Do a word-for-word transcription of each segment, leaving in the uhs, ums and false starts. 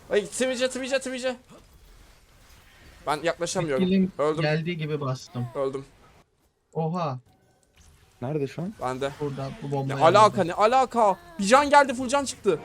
Ay Twitch'e Twitch'e Twitch'e. Ben yaklaşamıyorum. Skill'in Öldüm. geldiği gibi bastım. Öldüm. Oha. Nerede şu an? Ben de. Burada bu Ne bombayı alaka aldım. ne alaka? Bir can geldi, full can çıktı.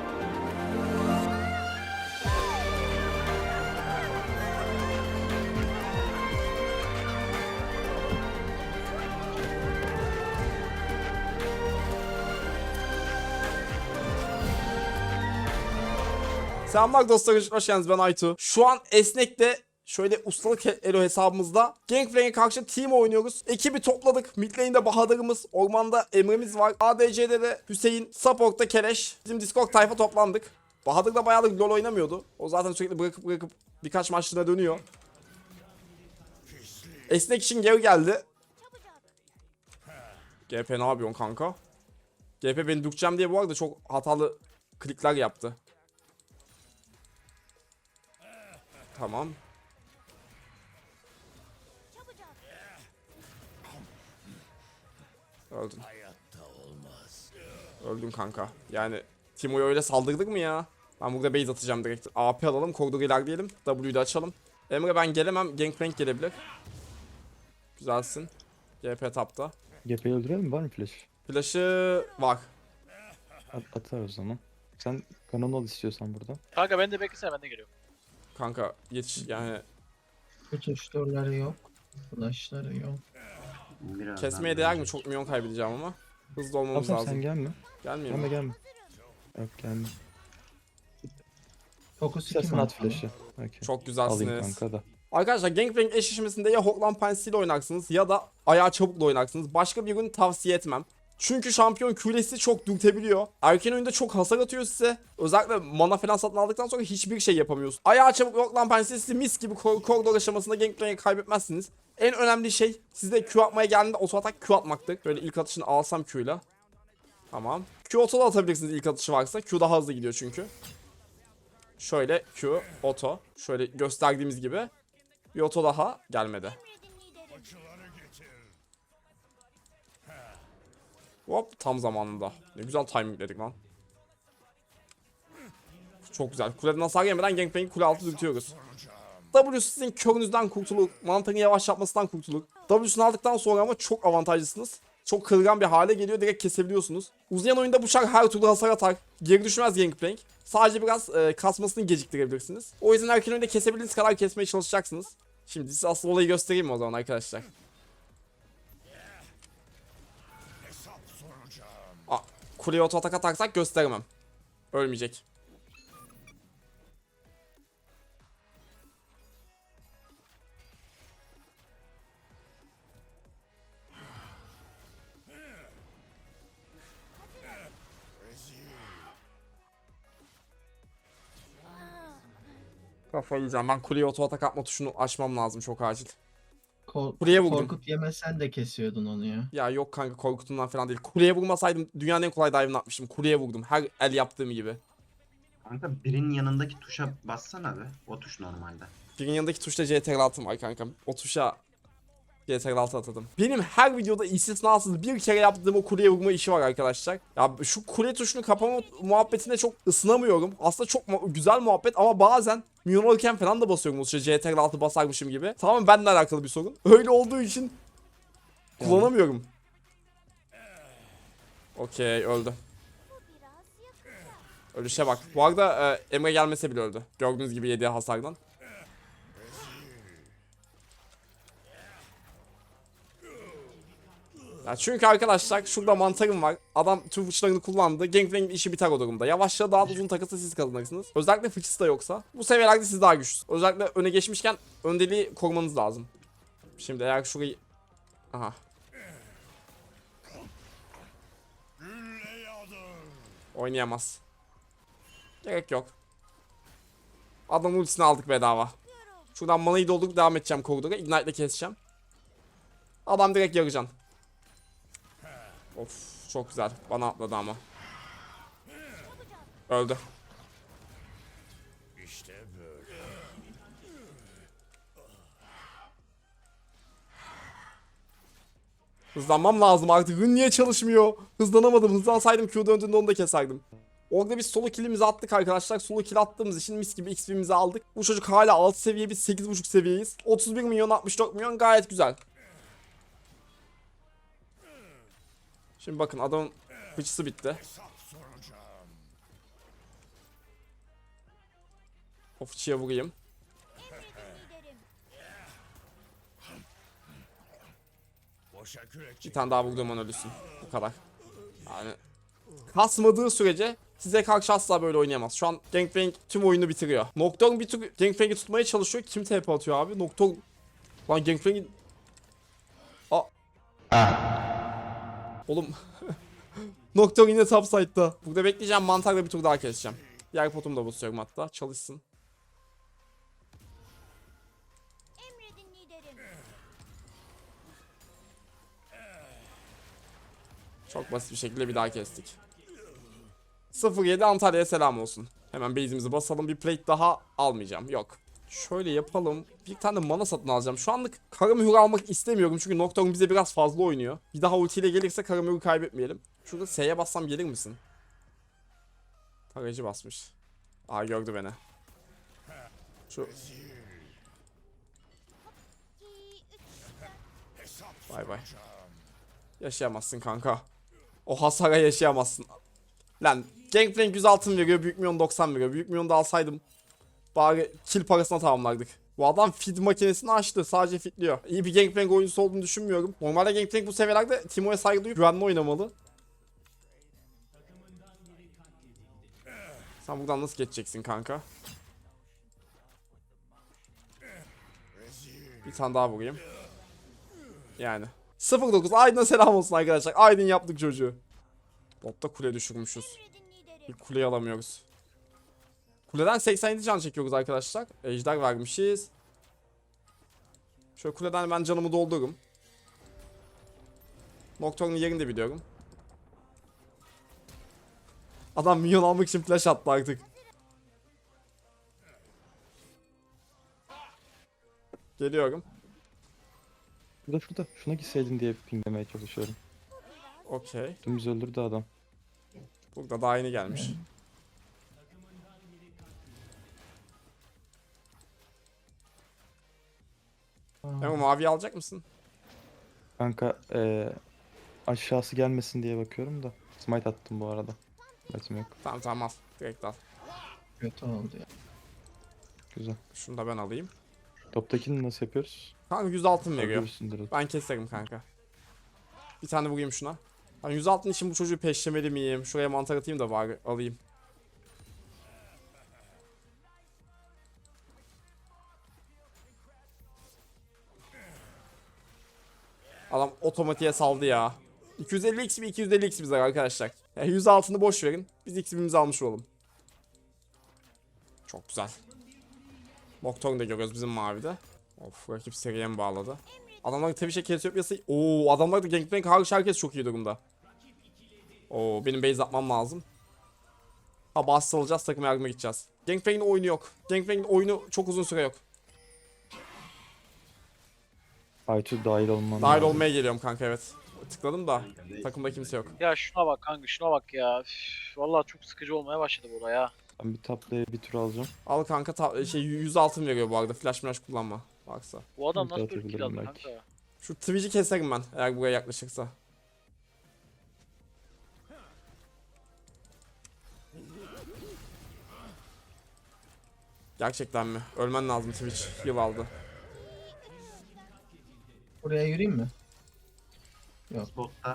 Selamlar dostlar, hoş geldiniz, ben Aytu. Şu an Esnek'te şöyle ustalık elo hesabımızda Gangplank'e karşı team oynuyoruz. Ekibi topladık. Mid lane'de Bahadır'ımız, ormanda Emre'miz var. A D C'de de Hüseyin, support'ta Keleş. Bizim Discord tayfa toplandık. Bahadır da bayağıdır LoL oynamıyordu. O zaten sürekli bırakıp bırakıp birkaç maçlığına dönüyor. Esnek için geri geldi. G P ne yapıyorsun kanka? G P beni dürteceğim diye bu arada çok hatalı klikler yaptı. Tamam. Öldün. Öldün kanka. Yani Timo'ya öyle saldırdık mı ya? Ben burada base atacağım direkt. A P alalım, koridoru ilerleyelim. W'yu da açalım. Emre ben gelemem. Gangplank gelebilir. Güzelsin. G P tapta. G P'yi öldürelim mi? Var mı flash? Flash'ı var. At atar o zaman. Sen kanon al istiyorsan burada. Kanka ben de beklesene, ben de geliyorum. Kanka yetiş yani. Tutuşturları yok. Flashları yok. Biraz Kesmeye değer mi? Çok milyon kaybedeceğim ama. Hızlı Tamam olmamız tamam lazım. sen gelme. Gelmiyor Gelme mu? gelme. Yok gelme. Fokus iki İstersen mi? at flash'ı. Okay. Çok Alayım güzelsiniz. kanka da. Arkadaşlar Gangplank eşleşmesinde ya Hoklan Pensi ile oynarsınız ya da ayağı çabukla oynarsınız. Başka bir ürünü tavsiye etmem. Çünkü şampiyon küresi çok dürtebiliyor. Erken oyunda çok hasar atıyor size. Özellikle mana falan satın aldıktan sonra hiçbir şey yapamıyorsun. Ayağı çabuk Hoklan Pensi sizi mis gibi kor koridor aşamasında Gangplank'e kaybetmezsiniz. En önemli şey sizde Q atmaya geldiğinde oto atak Q atmaktır. Böyle ilk atışını alsam Q'yla. Tamam. Q oto da atabilirsiniz ilk atışı varsa. Q daha hızlı gidiyor çünkü. Şöyle Q oto. Şöyle gösterdiğimiz gibi. Bir oto daha gelmedi. Hop tam zamanında. Ne güzel timingledik lan. Çok güzel. Kuleden hasar yemeden Gangplank'i kule altı dürtüyoruz. W sizin körünüzden kurtulur. Mantarın yavaş yapmasından kurtulur. W'sunu aldıktan sonra ama çok avantajlısınız. Çok kırılgan bir hale geliyor. Direkt kesebiliyorsunuz. Uzayan oyunda bıçak her türlü hasar atar. Geri düşmez Gangplank. Sadece biraz e, kasmasını geciktirebilirsiniz. O yüzden erken oyunda kesebildiğiniz kadar kesmeye çalışacaksınız. Şimdi size asıl olayı göstereyim mi o zaman arkadaşlar? Aa, kuleye oto atak atarsak gösteremem. Ölmeyecek. Kafayı yiyeceğim. Ben kuleye oto atak atma tuşunu açmam lazım çok acil. Ko Kuleye vurdum. Korkut yemesen de kesiyordun onu ya. Ya yok kanka, korkutumdan falan değil. Kuleye vurmasaydım dünyanın en kolay dive'ını atmıştım. Kuleye vurdum. Her el yaptığım gibi. Kanka birinin yanındaki tuşa bassana be. O tuş normalde. Birinin yanındaki tuşta C T R altı var kankam. O tuşa C T R altı atadım. Benim her videoda istisnasız bir kere yaptığım o kuleye vurma işi var arkadaşlar. Ya şu kule tuşunu kapama muhabbetine çok ısınamıyorum. Aslında çok mu güzel muhabbet ama bazen minyon alırken falan da basıyorum o tuşa, C T R altı basarmışım gibi. Tamamen benimle alakalı bir sorun. Öyle olduğu için kullanamıyorum. Okey, öldü. Ölüşe bak. Bu arada e, Emre gelmese bile öldü. Gördüğünüz gibi yediği hasardan. Ya çünkü arkadaşlar şurada mantarım var. Adam tüm fıçlarını kullandı. Gangplank'in işi biter o durumda. Yavaşça daha da uzun takası siz kazanırsınız. Özellikle fıçısı da yoksa. Bu seviyelerde siz daha güçlüsünüz. Özellikle öne geçmişken öndeliği korumanız lazım. Şimdi eğer şurayı... Aha. Oynayamaz. Gerek yok. Adamın ultisini aldık bedava. Şuradan manayı doldurup devam edeceğim koridora. Ignite'le keseceğim. Adam direkt yaracan. Of çok güzel. Bana atladı ama. Öldü. Hızlanmam lazım artık. Rün niye çalışmıyor? Hızlanamadım. Hızlansaydım Q döndüğünde onu da keserdim. Orada biz solo kill'imizi attık arkadaşlar. Solo kill attığımız için mis gibi X P'mizi aldık. Bu çocuk hala altı seviye, biz sekiz buçuk seviyeyiz. otuz bir milyon altmış dört milyon gayet güzel. Şimdi bakın adamın fıçısı bitti. O fıçıya vurayım. Bir tane daha vurduğum an ölüsün. Bu kadar. Yani kasmadığı sürece size karşı asla böyle oynayamaz. Şu an Gangplank tüm oyunu bitiriyor. Nocturne bir tür Gangplank'i tutmaya çalışıyor. Kim T P atıyor abi? Nocturne... Lan Gangplank'in... Aa. Oğlum. Nocturne yine top side'da. Burada bekleyeceğim, mantarla bir tur daha keseceğim. Diğer potumu da basıyorum hatta. Çalışsın. Çok basit bir şekilde bir daha kestik. sıfır yedi Antalya'ya selam olsun. Hemen base'imizi basalım. Bir plate daha almayacağım. Yok. Şöyle yapalım. Bir tane de mana satın alacağım. Şu anlık Karamühür almak istemiyorum. Çünkü Nocturne bize biraz fazla oynuyor. Bir daha ultiyle gelirse Karamühür'ü kaybetmeyelim. Şurada S'ye bassam gelir misin? Tarayıcı basmış. Aa, gördü beni. Şu... Bay bay. Yaşayamazsın kanka. O hasara yaşayamazsın. Lan Gangplank yüz altın veriyor, Büyük Milyon doksan veriyor. Büyük Milyon'u da alsaydım bari kill parasına tamamlardık. Bu adam feed makinesini açtı, sadece feedliyor. İyi bir Gangplank oyuncusu olduğunu düşünmüyorum. Normalde Gangplank bu seviyelerde Teemo'ya saygı duyup güvenli oynamalı. Sen buradan nasıl geçeceksin kanka? Bir tane daha vurayım. Yani. sıfır dokuz Aydın'a selam olsun arkadaşlar. Aydın yaptık çocuğu. Botta kule düşürmüşüz. Bir kuleyi alamıyoruz. Kuleden seksen yedi can çekiyoruz arkadaşlar. Ejder vermişiz. Şöyle kuleden ben canımı doldururum. Nocturne'un yerini de biliyorum. Adam minyon almak için flash attı artık. Geliyorum. Şurada şurada. Şuna gitseydin diye pinglemeye çalışıyorum. Okey. Dümdüz öldürdü adam. Burada daha yeni gelmiş. Ama mavi alacak mısın? Kanka eee aşağısı gelmesin diye bakıyorum da. Smite attım bu arada. Smite'im yok. Tamam tamam, al. Direkt al. Kötü oldu ya. Güzel. Şunu da ben alayım. Toptakini nasıl yapıyoruz? Kanka yüz altın veriyor. Görürsündür. Ben keserim kanka. Bir tane vurayım şuna. Ben yüz altın için bu çocuğu peşlemeli miyim? Şuraya mantar atayım da bari alayım. Adam otomatiğe saldı ya. iki yüz elli x mi iki yüz elli x bize arkadaşlar. Yani yüz altını boş verin. Biz x'imizi almış olalım. Çok güzel. Nocturne de görüyoruz bizim mavide. Of, rakip seriye mi bağladı? Adamlar Twitch'e Cassiopea'sı... Ooo, adamlar da Gangplank hariç herkes çok iyi durumda. Oo, benim base atmam lazım. Ha, bas alacağız, takım yardıma gideceğiz. Gangplank'in oyunu yok. Gangplank'in oyunu çok uzun süre yok. Aytu dahil olman Dahil lazım. olmaya geliyorum kanka, evet. Tıkladım da takımda kimse yok. Ya şuna bak kanka, şuna bak ya. Üf, vallahi çok sıkıcı olmaya başladı bu olay ya. Ben bir taplaya bir tur alacağım. Al kanka, ta- şey yüz altın veriyor bu arada. Flash flash kullanma. Baksa. Bu adam Bir nasıl böyle kill atabilirim aldı belki. kanka? Şu Twitch'i keserim ben eğer buraya yaklaşırsa. Gerçekten mi? Ölmen lazım Twitch. Yıl aldı. Buraya yürüyeyim mi? Yok. Spotta.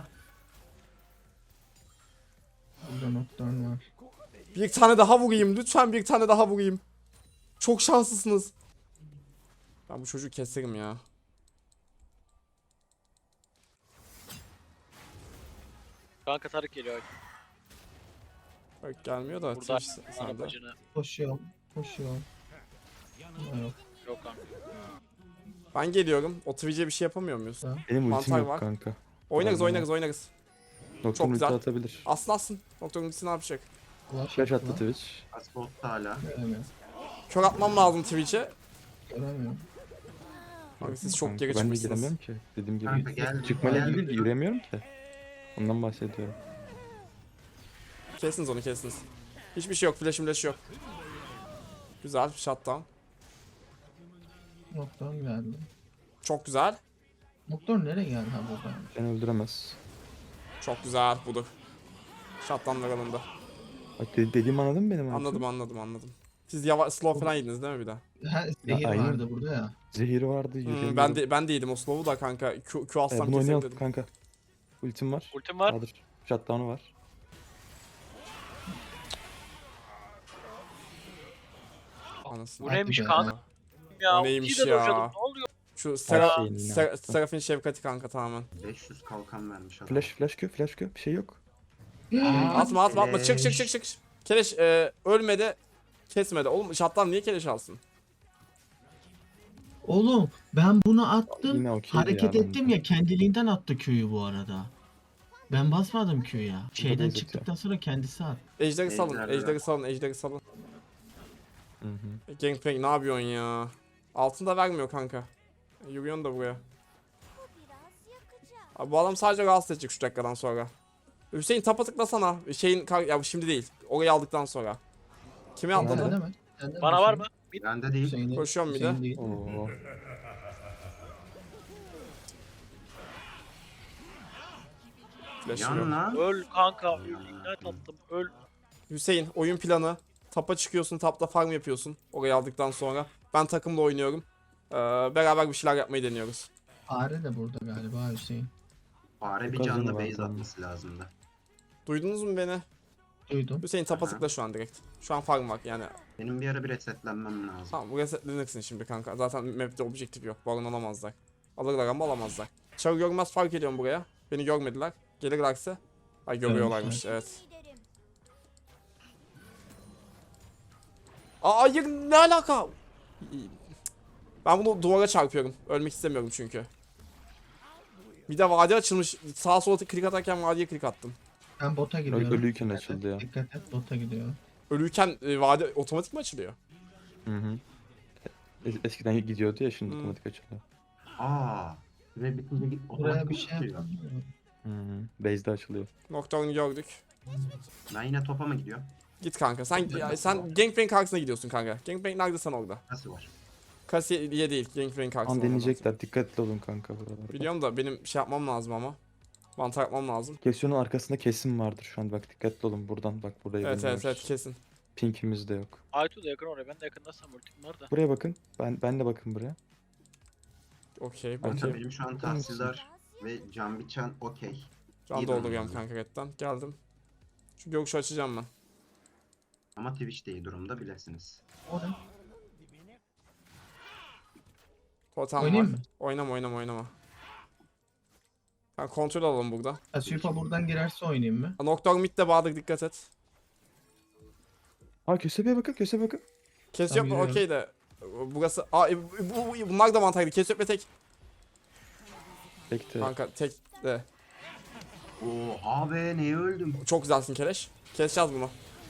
Burada Nocturne var. Bir tane daha vurayım. Lütfen bir tane daha vurayım. Çok şanslısınız. Ben bu çocuğu keserim ya. Kanka Tarık geliyor. Bak gelmiyor da Burada Twitch sende. arabacını. Koşuyorum. Koşuyorum. Ama yok. Yok kanka. Ben geliyorum. O Twitch'e bir şey yapamıyor muyuz? Benim ultim Mantar yok var. kanka. Oynarız Pardon. oynarız oynarız. Nocturne ulti güzel. atabilir. Aslın aslın. Doktorun ultisi ne yapacak? Flash Flash attı attı. Twitch. Spotta hala. Göremiyorum. Kör atmam lazım Twitch'e. Göremiyorum. Abi siz çok Kanka, geri ben de çıkmışsınız. giremiyorum ki. Dediğim gibi. Kanka gel. Çıkmayla gel. değil, yürüyemiyorum ki. Ondan bahsediyorum. Kesiniz onu, kesiniz. Hiçbir şey yok. Flash'im flash yok. Güzel. Shutdown. Nocturne geldi. Çok güzel. Nocturne nereye geldi ha burada? Beni öldüremez. Çok güzel. Budur. Shutdown'lar alındı. Bak de- dediğimi anladın mı benim? Anladım anladım anladım. Siz yavaş slow falan yediniz değil mi bir daha? Ha, zehir aynen. vardı burada ya. Zehir vardı. Hmm, yürüyemiyorum. ben de ben de yedim o slow'u da kanka. Q, Q Ee, alsam bunu oynayalım kesebilirim. kanka. Ultim var. Ultim var. Bahadır. Shutdown'u var. Anasını. Bu neymiş be. kanka? Ya O neymiş ultiyi de ya? dojladım, ne oluyor? Şu Sera, şeyini yine Ser, yaptı. Serafin şefkati kanka tamamen. beş yüz kalkan vermiş adam. Flash flash Q flash Q bir şey yok. Atma atma atma çık çık çık Keleş. çık. Keleş e, ölmedi. Kesmedi. Oğlum şattan niye keleş alsın? Oğlum ben bunu attım. Yine okeydi hareket ya ettim bence. ya kendiliğinden attı Q'yu bu arada. Ben basmadım Q'ya. Şeyden benzetiyor. çıktıktan sonra kendisi attı. Ejderi salın, Ejder ejderi bırak. salın, ejderi salın. Hı hı. Gangplank ne yapıyorsun ya? Altın da vermiyor kanka. Yürüyorsun da buraya. Abi bu adam sadece rahatsız edecek şu dakikadan sonra. Hüseyin tapa tıklasana. Şeyin kar- ya şimdi değil. Orayı aldıktan sonra. Kimi Sende atladı? mi? Sende Bana var mı? Bir Bende değil. Hüseyin'de- Koşuyorum bir de. Hüseyin değil. Oo. Flash'ım Yan yok. lan. öl kanka. Öl. Ignite attım. Öl. Hüseyin oyun planı. Tapa çıkıyorsun, tapta farm yapıyorsun. Orayı aldıktan sonra. Ben takımla oynuyorum. Ee, beraber bir şeyler yapmayı deniyoruz. Fare de burada galiba Hüseyin. Fare bir Çok canlı azını var base bunun. atması lazımdı. Duydunuz mu beni? Duydum. Hüseyin tapa Aha. tıkla şu an direkt. Şu an farm var yani. Benim bir ara bir resetlenmem lazım. Tamam bu resetlenirsin şimdi kanka. Zaten map'te objektif yok. Baron alamazlar. Alırlar ama alamazlar. Çarı görmez fark ediyorum buraya. Beni görmediler. Gelirlerse. Ay görüyorlarmış evet. Aa hayır ne alaka? Ben bunu duvara çarpıyorum. Ölmek istemiyorum çünkü. Bir de vadi açılmış. Sağa sola klik atarken vadiye klik attım. Ben bota Ö- gidiyorum. Ölüyken Dikkat et, açıldı ya. Dikkat et bota gidiyor. Ölürken e, vadi otomatik mi açılıyor? Hı hı. Es- Eskiden gidiyordu ya şimdi Hmm. otomatik açılıyor. Aa. Ve bitince git Buraya otomatik bir mi şey tutuyor? yapalım. Hı hı. Base'de açılıyor. Nocturne'u gördük. Ben yine topa mı gidiyor? Git kanka. Sen ya, sen Gangplank karşısına gidiyorsun kanka. Gangplank nerede sen orada? Nasıl var? Kasiye değil. Gangplank Tam karşısına. deneyecekler. Dikkatli olun kanka buralarda. Biliyorum da benim şey yapmam lazım ama. Mantar yapmam lazım. Kesyonun arkasında kesim vardır şu an. Bak dikkatli olun buradan. Bak burayı Evet evet bilmiyoruz. evet kesin. Pinkimiz de yok. Aytu da yakın oraya. Ben de yakındaysam ultim var da. Buraya bakın. Ben ben de bakın buraya. Okey Kanka bakayım. benim şu an Bakar mısın? tahsildar ve can biçen okey. Can iyi dolduruyorum durumda. kanka redden. Geldim. Şu görüşü açacağım ben. Ama Twitch de iyi durumda bilesiniz. O ne? Totem var. Oynayayım mı? Oynama oynama oynama. Ben kontrol alalım burada. Asifa buradan girerse oynayayım mı? Nocturne mid'de Bahadır dikkat et. Ha kösebeğe bakın kösebeğe bakın. Kes Tamam, yok mu? yürüyorum. Okey de. Burası. Aa e, bu, bu- bunlar da mantarlı. Kes yok ve tek. Bekle. Kanka tek de. Oo abi neye öldüm? Çok güzelsin Keleş. Keseceğiz bunu.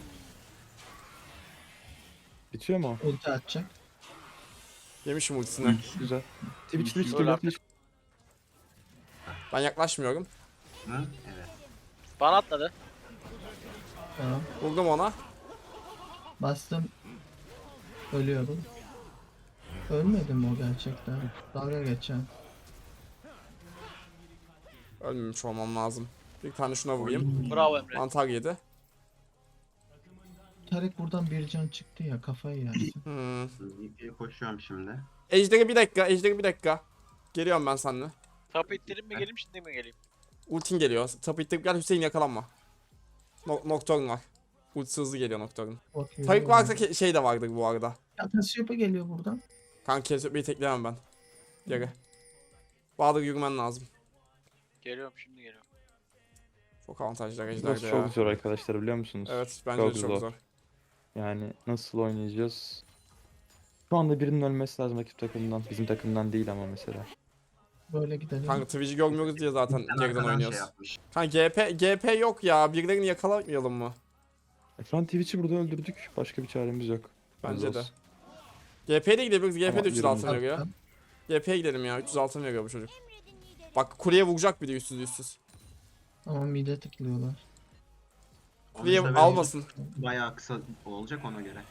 Bitiyor mu? o? Ulti atacak. Yemişim ultisini. Güzel. Twitch Twitch Öyle geliyor. artık. Twitch. Ben yaklaşmıyorum. Mı? Evet. Bana atladı. Tamam. Vurdum ona. Bastım. Ölüyorum. Ölmedim o gerçekten. Dalga geçen. Ölmemiş olmam lazım. Bir tane şuna vurayım. Bravo Emre. Mantar yedi. Tarık buradan bir can çıktı ya kafayı yersin. Hmm. V P'ye koşuyorum şimdi. Ejderi bir dakika. Ejderi bir dakika. Geliyorum ben seninle. Top ittirip mi geleyim şimdi mi geleyim? Ultin geliyor. Tapu ittirip gel Hüseyin yakalanma. No Nocturne var. Ultisi hızlı geliyor Nocturne. Bakıyorum. Tarık varsa ke- şey de vardır bu arada. Ya Tasyop'a geliyor buradan. Kanka Kesop'u tekleyemem ben. Geri. Bahadır yürümen lazım. Geliyorum şimdi geliyorum. Çok avantajlı ejderde Burası ya. çok zor arkadaşlar biliyor musunuz? Evet bence Çok de çok zor. zor. Yani nasıl oynayacağız? Şu anda birinin ölmesi lazım rakip takımdan. Bizim takımdan değil ama mesela. Böyle gidelim. Kanka Twitch'i görmüyoruz diye zaten Sen geriden arkadan şey oynuyoruz. yapmış. Kanka G P G P yok ya. Birilerini yakalamayalım mı? E, şu an Twitch'i burada öldürdük. Başka bir çaremiz yok. Bence de. olsun. G P'ye de gidebiliriz. G P Ama de üç yüz altın yürümeyin. veriyor. Attım. G P'ye gidelim ya. üç yüz altın veriyor bu çocuk. Bak kuleye vuracak bir de üstsüz üstsüz. Ama mide tıklıyorlar. Kuleyi Onun da almasın. Bayağı kısa olacak ona göre.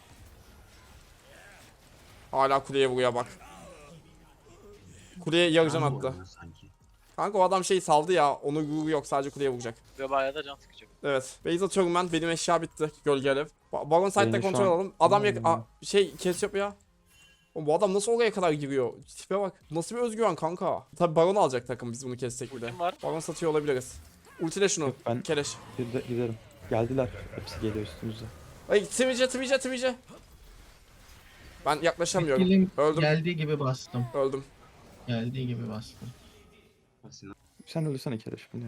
Hala kuleye vuruyor bak. Kuleye yarıcan Rambo attı. oynuyor sanki. Kanka o adam şey saldı ya. Onu gurur yok, sadece kuleye vuracak. Ve bayağı da can sıkacak. Evet. Base atıyorum ben. Benim eşya bitti. Gölge alev. Ba- Baron side'de Beni şu kontrol an- alalım. Adam yak- Hmm. Aa, şey kes yap ya. Oğlum bu adam nasıl oraya kadar giriyor? Tipe bak. Nasıl bir özgüven kanka. Tabi Baron alacak takım biz bunu kessek bir de. Ultim var. Baron satıyor olabiliriz. Ultile şunu. Yok, ben- Keleş. Bir de giderim. Geldiler. Hepsi geliyor üstümüze. Ay Twitch'e Twitch'e Twitch'e. Ben yaklaşamıyorum. Skill'im Öldüm. geldiği gibi bastım. Öldüm. Geldiği gibi bastım. Aslında Sen ölürsene Keleş bunu ya.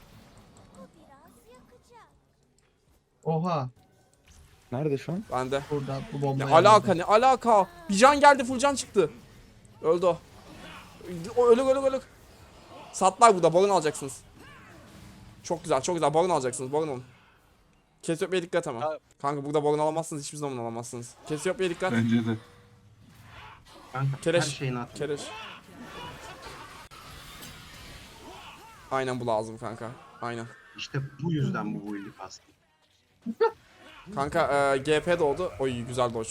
Oha. Nerede şu an? Ben de. Burada bu Ne bombayı alaka aldım. ne alaka? Bir can geldi, full can çıktı. Öldü o. O ölük ölük ölük. Satlar burada, Baron alacaksınız. Çok güzel çok güzel, Baron alacaksınız, Baron alın. Kesiopya'ya dikkat ama. Ya- Kanka burada Baron alamazsınız, hiçbir zaman alamazsınız. Kesiopya'ya dikkat. Bence de. kanka Keleş. her şeyini at. Keleş. Aynen bu lazım kanka. Aynen. İşte bu yüzden bu build'i kastım. Kanka e, G P doğdu. Oy güzel dodge.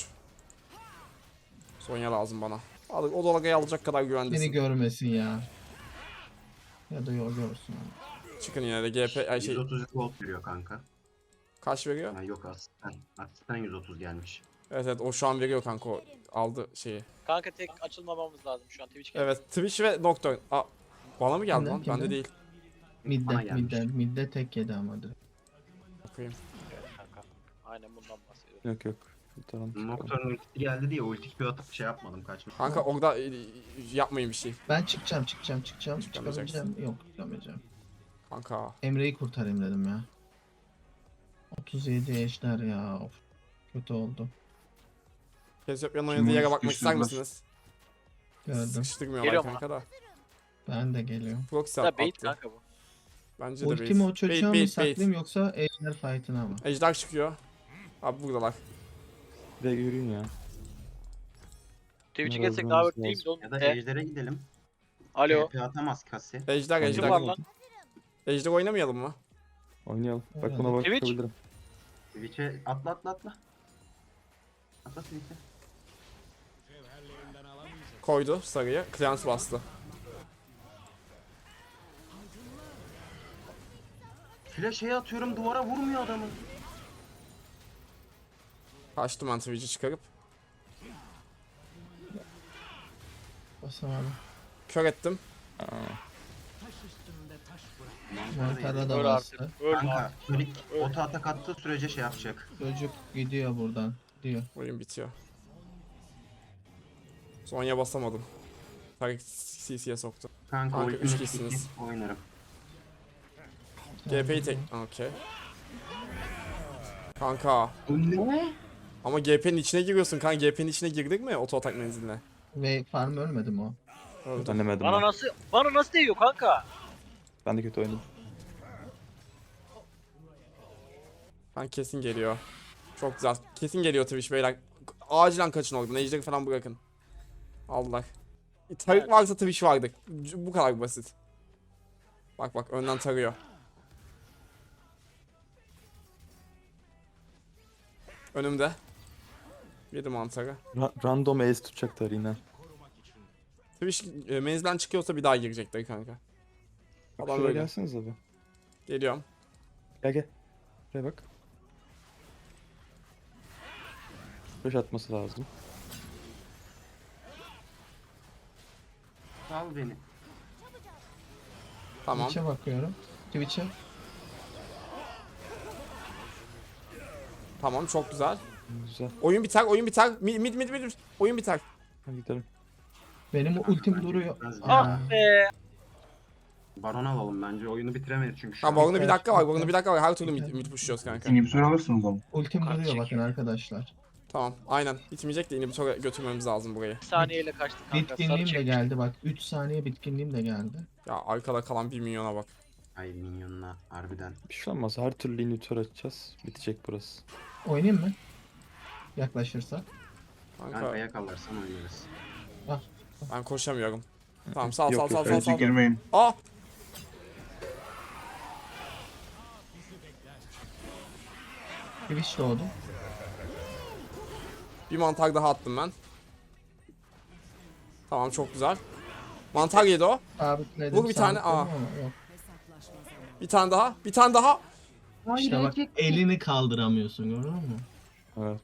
Sonya lazım bana. Al, o dalgayı alacak kadar Beni güvendesin. görmesin ya. Ya da yol görsün. abi. Çıkın yine de G P ay şey yüz otuz volt veriyor kanka. kaç veriyor? Ha, yok asistan. Asistan yüz otuz gelmiş. Evet evet o şu an veriyor kanka, o aldı şeyi. Kanka tek açılmamamız lazım şu an. Twitch geldi. Evet Twitch ve Nocturne. Aa, bana mı geldi Kimden, lan? Bende kimden? değil. Midde, Bana gelmiş. midde, midde tek yedi ama direkt. Bakayım. Evet kanka. Aynen bundan bahsediyorum. Yok yok. Kurtaralım. çıkalım. Nocturne ulti geldi diye ulti Q atıp şey yapmadım kaçmış. Kanka orada e, yapmayın bir şey. Ben çıkacağım, çıkacağım, çıkacağım. Çıkamayacaksın. Çıkabileceğim. Yok, çıkamayacağım. Kanka. Emre'yi kurtarayım dedim ya. otuz yedi ejder ya. Of. Kötü oldu. Kesiopya'nın Şimdi oynadığı yere onu bakmak ister sıkıştırdılar. misiniz? Gördüm. Sıkıştırmıyorlar Geliyorum kanka da. Ben de geliyorum. Proxy Da attı. bait kanka bu. Bence de Ultimi o bait. çocuğa Bait mı bait saklayayım bait. yoksa ejder fight'ına mı? Ejder çıkıyor. Abi buradalar. Bir de yürüyün ya. Twitch'e Bunlar geçsek öldürmemiz daha böyle değil lazım. mi? Ya da E, ejder'e gidelim. Alo. T P atamaz Kasi. Ejder Kim Kim ejder. var lan? Ejder oynamayalım mı? Oynayalım. Bak Oynayalım. buna Twitch? bakabilirim. Twitch'e atla atla atla. Atla Twitch'e. Koydu sarıyı. Clans bastı. Flash'e atıyorum duvara vurmuyor adamı. Kaçtım ben Twitch'i çıkarıp. Basamadım. Kör ettim. Aa, Montara da Öl bastı. artık. Öl Kanka artık. Sonic ota atak attığı sürece şey yapacak. Çocuk gidiyor buradan. Gidiyor. Oyun bitiyor. Sonya basamadım. Tarık C C'ye soktu. Kanka, Kanka, ultimate üç kişisiniz. bitti, oynarım. G P'yi tek... Okey. Kanka. Ne? Ama G P'nin içine giriyorsun kanka. G P'nin içine girdik mi oto atak menziline? Ve farm ölmedi mi o? Öldü. Denemedim Bana ben. nasıl bana nasıl değiyor kanka? Ben de kötü oynadım. Ben kesin geliyor. Çok güzel. Kesin geliyor Twitch beyler. Acilen kaçın oradan. Ejder'i falan bırakın. Allah. Tarık varsa Twitch vardı. Bu kadar basit. Bak bak önden tarıyor. Önümde. Yedi mantarı. Ra- random ace tutacaklar yine. Twitch e, menzilden çıkıyorsa bir daha girecekler kanka. Bak Adam şuraya böyle. gelseniz abi. Geliyorum. Gel gel. Şuraya bak. Flash atması lazım. Sal beni. Tamam. Twitch'e bakıyorum. Twitch'e. Tamam çok güzel. Güzel. Oyun biter, oyun biter. Mid mid mid mid. Oyun biter. Hadi gidelim. Benim ultim Bence duruyor. bitmez ya. Ah be. Baron alalım bence. Oyunu bitiremeyiz çünkü şu Ha an. Baron'da bir Biter, dakika var. biter. Baron'da bir dakika var. Her türlü mid, mid pushluyoruz kanka. İnhibitör alırsınız ama. Ultim Kart duruyor bakın çekiyor. arkadaşlar. Tamam. Aynen. Bitmeyecek de inhibitor'a götürmemiz lazım burayı. Bir saniyeyle kaçtı kanka. Sarı Bitkinliğim de çekmiş. geldi bak. üç saniye bitkinliğim de geldi. Ya arkada kalan bir milyona bak. Ay minyonla harbiden. Bir şey olmaz. Her türlü inhibitor açacağız. Bitecek burası. Oynayayım mı? Yaklaşırsa. Kanka Kanka yakalarsan oynarız. ben koşamıyorum. Tamam sal Yok, sal yok, sal sal Bence sal. girmeyin. Aa! Twitch doğdu. Bir mantar daha attım ben. Tamam çok güzel. Mantar yedi o. Sabitledim. Vur bir tane, sabitledim aa. ama yok. Bir tane daha. Bir tane daha. İşte bak elini kaldıramıyorsun, gördün mü? Evet.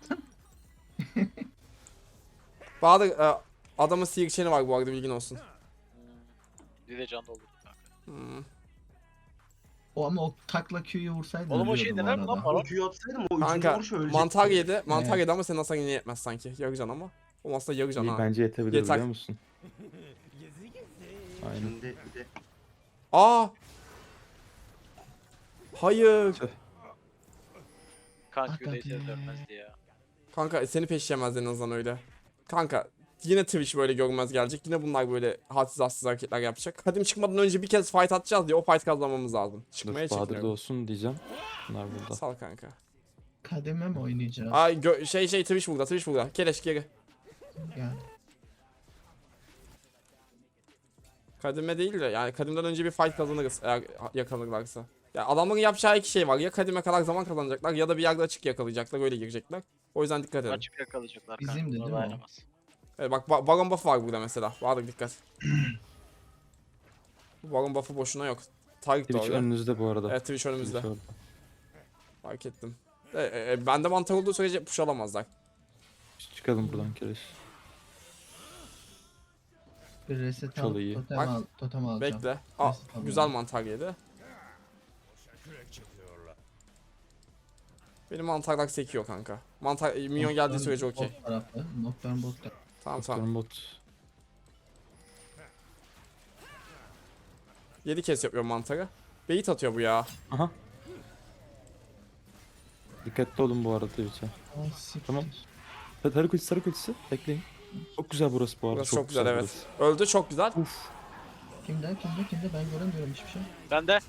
Bahadır e, adamın sihir çeni var bu arada, bilgin olsun. Bir de can doldurdum kanka. Hmm. O ama o takla Q'yu vursaydın Oğlum o şey ölüyordu bu dener mi lan arada. bana? O Q'yu atsaydım o üçüncü Kanka vuruş ölecek. mantar yedi. Mantar Evet. yedi ama senin hasarın yine yetmez sanki. Yarıcan ama. O aslında yarıcan İyi, ha. bence yetebilir Yeter. biliyor musun? Aynen. Şimdi bir de Aa. Hayır. Kanka Hakikaten. Q'daysa dönmezdi ya. Kanka seni peşleyemez en azından öyle. Kanka yine Twitch böyle görmez gelecek. Yine bunlar böyle hadsiz hadsiz hareketler yapacak. Kadim çıkmadan önce bir kez fight atacağız diye o fight kazanmamız lazım. Çıkmaya Dur, Bahadır'da çekiniyorum. olsun diyeceğim. Bunlar burada. Sal kanka. Kademe mi oynayacağız? Ay gö- şey şey Twitch burada, Twitch burada. Keleş geri. Yani. Kadime değil de yani kadimden önce bir fight kazanırız eğer yakalanırlarsa. Ya adamların yapacağı iki şey var. Ya kadime kadar zaman kazanacaklar ya da bir yerde açık yakalayacaklar, öyle girecekler. O yüzden dikkat edin. Açıp yakalayacaklar kanka. Bizimdi, buna değil mi o? dayanamaz. Evet bak ba- Baron buff'ı var burada mesela. Bahadır dikkat. Bu Baron buff'ı boşuna yok. Tarık da Twitch orada. önünüzde bu arada. Evet Twitch önümüzde. Twitch orada. Fark ettim. E, e, e, bende mantar olduğu sürece push alamazlar. Çıkalım buradan Kereş. Bir reset Çok alıp iyi. totem, Bak, al, totem alacağım. Bekle. Aa, Neyse, tamam. güzel mantar yedi. Benim mantarlar sekiyor kanka. Mantar e, minyon geldiği Nocturne sürece okey. bot tarafı. Nocturne bot tarafı. Tamam tamam. Doktorun bot. yedi kez yapıyor mantarı. Bait atıyor bu ya. Aha. Dikkatli olun bu arada Twitch'e. Ay, siktir. Tamam. Sarı kulisi, sarı kulisi. Bekleyin. Çok güzel burası bu arada. Burası çok, güzel, evet. burası. Öldü çok güzel. Uf. Kimde kimde kimde ben göremiyorum hiçbir şey. Ben de.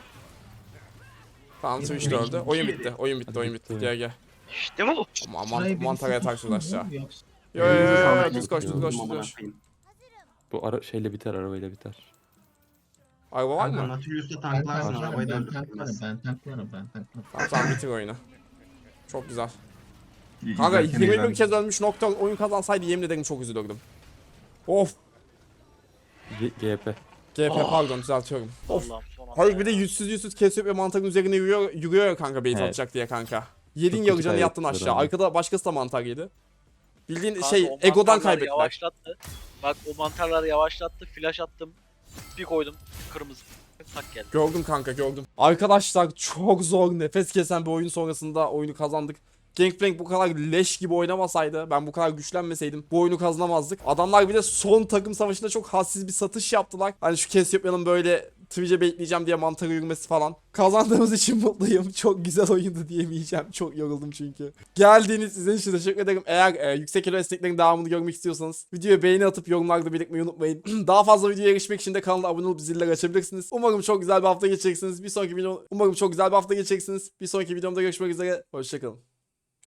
Tamam Yine Twitch de bir- öldü. Oyun bitti. Oyun bitti. Hadi Oyun bitti. bitti. Gel gel. İşte bu. Ama Şuraya man bir mantara sıkıntı yatarsın mı aşağı. yoksa? Yo yo yo Elinize yo sağlık. düz koş düz koş düz Amına koş. koyayım. Bu ara şeyle biter, arabayla biter. Araba var Kanka, mı? Nautilus'ta Ben tanklarsın tanklarım, arabayı da ben tanklarım, öldürtmez. ben tanklarım, ben tanklarım. Tamam tamam bitir oyunu. Çok güzel. İyi, Kanka izlerken yirmi bir eğlendim. kez ölmüş Nocturne oyun kazansaydı yemin ederim çok üzülürdüm. Of. G- GP. G P Oh. pardon düzeltiyorum. Of. Allah'ım son anda. Hayır bir de ya. yüzsüz yüzsüz kesiyor ve mantarın üzerine yürüyor, yürüyor ya kanka bait Evet. atacak diye kanka. Yedin Çok yarıcanı kötü yattın kaybettiler aşağı. abi. Arkada başkası da mantar yedi. Bildiğin Kanka, şey o egodan mantarlar kaybettiler. Yavaşlattı. Bak o mantarları yavaşlattı. Flash attım. Bir koydum. Kırmızı. Tak geldi. Gördüm kanka gördüm. Arkadaşlar çok zor nefes kesen bir oyun sonrasında oyunu kazandık. Gangplank bu kadar leş gibi oynamasaydı, ben bu kadar güçlenmeseydim bu oyunu kazanamazdık. Adamlar bir de son takım savaşında çok hassiz bir satış yaptılar. Hani şu Cassiopeia'nın böyle Twitch'e bekleyeceğim diye mantarı yürümesi falan. Kazandığımız için mutluyum. Çok güzel oyundu diyemeyeceğim. Çok yoruldum çünkü. Geldiğiniz sizin için teşekkür ederim. Eğer e, yüksek elo esneklerin devamını görmek istiyorsanız videoya beğeni atıp yorumlarda belirtmeyi unutmayın. Daha fazla videoya erişmek için de kanala abone olup zilleri açabilirsiniz. Umarım çok güzel bir hafta geçeceksiniz. Bir sonraki video umarım çok güzel bir hafta geçeceksiniz. Bir sonraki videomda görüşmek üzere. Hoşçakalın.